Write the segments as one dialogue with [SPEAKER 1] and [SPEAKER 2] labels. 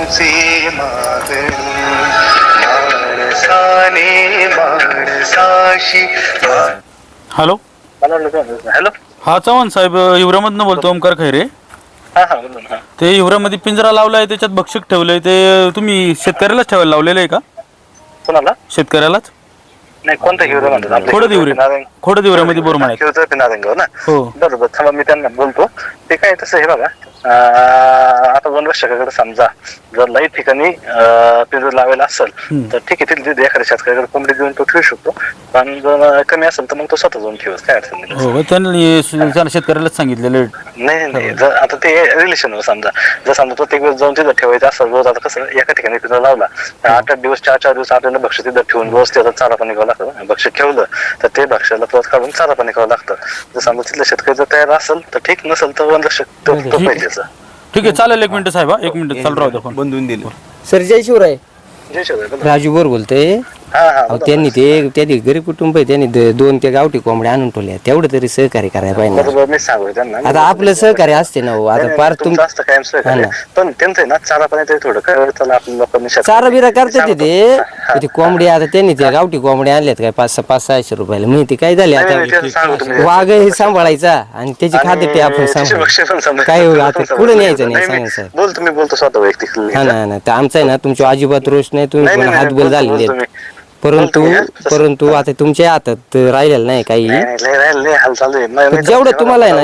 [SPEAKER 1] तुझे मागणी माणसाने माणसाशी.
[SPEAKER 2] Hello
[SPEAKER 3] hello.
[SPEAKER 2] हा चव्हाण साहेब, हिवऱ्यामधनं बोलतो, ओमकार खैरे.
[SPEAKER 3] हा हा बोला ना.
[SPEAKER 2] ते हिवऱ्यामध्ये पिंजरा लावलाय, त्याच्यात भक्षक ठेवलंय, ते तुम्ही शेतकऱ्यालाच ठेवायला लावलेलं आहे का?
[SPEAKER 3] कोणाला?
[SPEAKER 2] शेतकऱ्यालाच.
[SPEAKER 3] नाही, कोणता हिरो म्हणतात? आपल्या
[SPEAKER 2] खोडद हिवऱ्यामध्ये बोरमाळ्यात.
[SPEAKER 3] ना.
[SPEAKER 2] हो
[SPEAKER 3] बरोबर, थांबा मी त्यांना बोलतो. ते काय तसं हे बघा, आता वनरक्षकाकडे समजा जर लई ठिकाणी पिंजर लावायला असेल तर ठीक आहे, तिथे एखाद्या शेतकऱ्याकडे कोंबडी देऊन तो ठेवू शकतो. पण जर कमी असेल तर मग तो स्वतः जाऊन ठेवत, काय अडचण नाही.
[SPEAKER 2] हो, त्यांनी शेतकऱ्यालाच सांगितलेलं.
[SPEAKER 3] नाही, जर आता ते रिलेशनवर समजा, जर समजा प्रत्येक वेळेस जाऊन तिथं ठेवायचं असं, रोज आता कसं एका ठिकाणी पिंजरा लावला 8-8 दिवस 4-4 दिवस आपल्याला भक्ष तिथं ठेवून रोज त्याचा चारा पाणी करावं लागतं. भक्ष ठेवलं तर ते भक्ष्याला परत काढून चारा पाणी करावं लागतं. जर समजा तिथलं शेतकरी जर तयार असेल तर ठीक, नसेल तर वनरक्षक तो पाहिजेच.
[SPEAKER 2] ठीक आहे, चालेल. 1 मिनिट साहेब, 1 मिनिट चालू राहू द्या.
[SPEAKER 4] बंधून दिले.
[SPEAKER 5] सर जय शिवराय.
[SPEAKER 3] जय शिवराय.
[SPEAKER 5] राजू बोर बोलतोय. त्यांनी ते गरीब कुटुंब आहे, त्यांनी 2 त्या गावठी कोंबड्या आणून ठेवल्या, तेवढं तरी सहकार्य करायला पाहिजे.
[SPEAKER 3] बरोबर, मी सांगू त्यांना.
[SPEAKER 5] आता आपलं सहकार्य असते ना. आता फार
[SPEAKER 3] तुमचं असतं कायम सहकार्य, पण त्यांचं ना चारा पाणी थोडं काय त्याला आपल्या लोकांनी
[SPEAKER 5] चारा बिरा करतात ते कोंबडी. आता त्यांनी त्या गावठी कोंबड्या आणल्यात काय 500-600 रुपयाला. माहिती काय झाली आता, वाघ हे सांभाळायचा आणि त्याची खाद्य आपण सांभाळ काय आता कुठं न्यायचं नाही, सांगा सर.
[SPEAKER 3] बोल, तुम्ही बोलतो स्वतः वैयक्तिक.
[SPEAKER 5] हा ना, तर आमचं आहे ना, तुमच्या अजिबात रोष नाही, तुम्ही पण हातबल झालेले. परंतु आता तुमच्या हातात राहिलेलं नाही काही. जेवढं तुम्हाला आहे ना,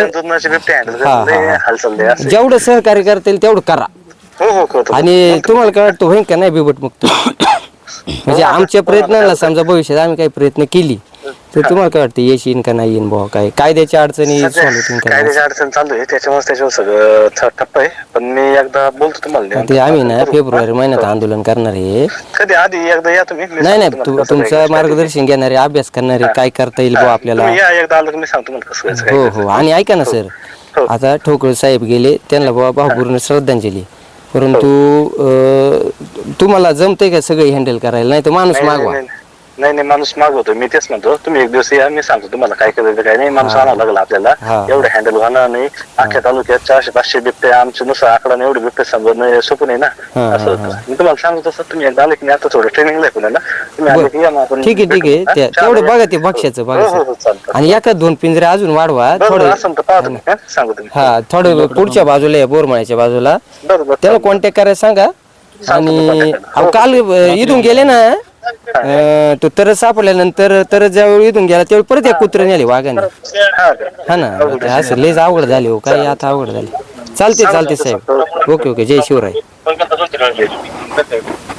[SPEAKER 5] जेवढं सहकार्य करता येईल तेवढं करा. आणि तुम्हाला काय वाटतं होईल का नाही बिबट मुक्त? म्हणजे आमच्या प्रयत्नाला समजा भविष्यात आम्ही काही प्रयत्न केली तर तुम्हाला काय वाटतं यश येईन का नाही येईन बुवा? काय कायद्याच्या अडचणी
[SPEAKER 3] कायद्याची अडचण चालू आहे, त्याच्यावर सगळं ठप्प आहे. पण मी एकदा बोलतो तुम्हाला.
[SPEAKER 5] ते आम्ही ना फेब्रुवारी महिन्यात आंदोलन करणार आहे.
[SPEAKER 3] कधी आधी एकदा या तुम्ही.
[SPEAKER 5] नाही, तुमचं मार्गदर्शन घेणारे, अभ्यास करणारे, काय करता येईल बुवा आपल्याला.
[SPEAKER 3] एकदा आलं मी सांगतो मला कसं.
[SPEAKER 5] हो, आणि ऐका ना सर, आता ठोकळ साहेब गेले, त्यांना बुवा भावपूर्ण श्रद्धांजली. परंतु तुम्हाला जमते का सगळं हँडल करायला? नाही तर माणूस मागवा.
[SPEAKER 3] नाही, माणूस मागवतो. मी तेच म्हणतो, तुम्ही एक दिवस या, मी सांगतो तुम्हाला काय करायचं काय नाही. माणूस आणावं लागला आपल्याला, एवढं हँडल होणार नाही. अख्ख्या तालुक्यात 400-500 बिबटे आमच्या नुसार आकडा एवढे बिबटे समजणं सोपं नाही ना. असं मी तुम्हाला सांगतो तसं. तुम्ही एकदा आले की आता थोडं ट्रेनिंगला आहे पुण्याला, तुम्ही आले की या ना आपण.
[SPEAKER 5] ठीक आहे. तेवढं बघा ते भक्ष्याचं बघा. आणि एका 2 पिंजरे अजून वाढवा थोडं.
[SPEAKER 3] सांगतो तुम्ही.
[SPEAKER 5] थोडं पुढच्या बाजूला या, बोरमाळ्याच्या बाजूला. त्याला कॉन्टॅक्ट करायला सांगा. आणि काल इथून गेले ना, तो तरच सापडल्यानंतर तरच ज्यावेळी इथून गेला त्यावेळी परत एक कुत्र्याने आले वाघाने. हा ना, असं लयच अवघड झाले हो, काही आता अवघड झाले. चालते साहेब. ओके, जय शिवराय.